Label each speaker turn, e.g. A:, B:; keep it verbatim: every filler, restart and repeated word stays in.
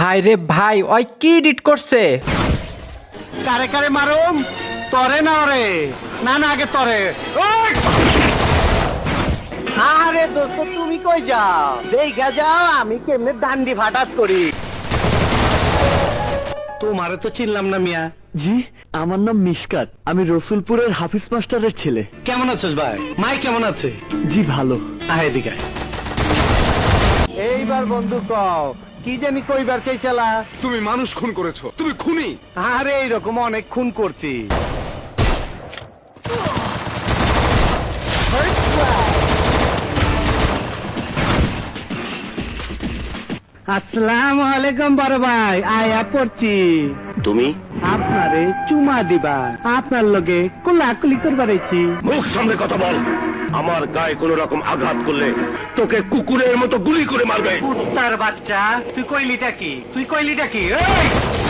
A: ভাই রে ভাই, ওই কি এডিট করছে?
B: কারে কারে মারুম? তরে না ওরে? না না আগে তরে। আরে দোস্ত তুমি কই যাও? দেখা যাও আমি কেমনে দান্ডি ফাটাত করি। তোমারে তো চিনলাম না মিয়া।
C: জি, আমার নাম মিশকাত, আমি রসুলপুরের হাফিজ মাস্টারের ছেলে।
B: কেমন আছিস ভাই? মাই কেমন আছে?
C: জি ভালো।
B: আয় এদিকে। এইবার বন্ধু কও কি জানি কইবার চাইছালা?
D: তুমি মানুষ খুন করেছো, তুমি খুনি।
B: আরে এইরকম অনেক খুন করছি। আসসালামু আলাইকুম বড় ভাই, আয়া পড়ছি।
D: তুমি
B: আপনারে চুমা দিবা, আপনার লগে কোলাকুলি করবার আইছি।
D: মুখ সামনে কথা বল। আমার গায়ে কোন রকম আঘাত করলে তোকে কুকুরের মতো গুলি করে মারবে।
B: তার বাচ্চা, তুই কইলিটা কি? তুই কইলিটা কি? এই!